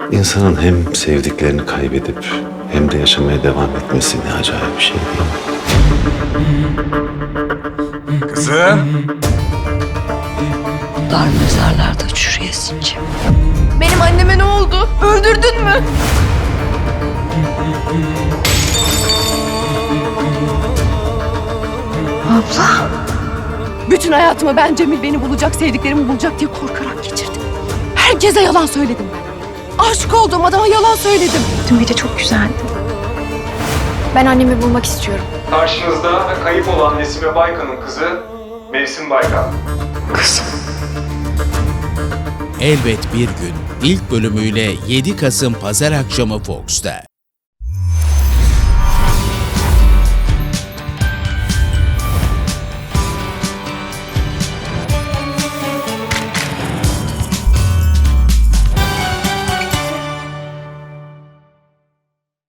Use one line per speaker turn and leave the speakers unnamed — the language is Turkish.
İnsanın hem sevdiklerini kaybedip hem de yaşamaya devam etmesi ne acayip bir şey değil mi?
Kızım.
Dar mezarlarda çürüyesince.
Benim anneme ne oldu? Öldürdün mü?
Abla.
Bütün hayatımı ben Cemil beni bulacak, sevdiklerimi bulacak diye korkarak geçirdim. Herkese yalan söyledim ben. Aşık olduğum adama yalan söyledim.
Dün gece çok güzeldi. Ben annemi bulmak istiyorum.
Karşınızda kayıp olan Nesime Baykan'ın kızı Mevsim Baykan.
Elbet Bir Gün ilk bölümüyle 7 Kasım Pazar akşamı Fox'ta.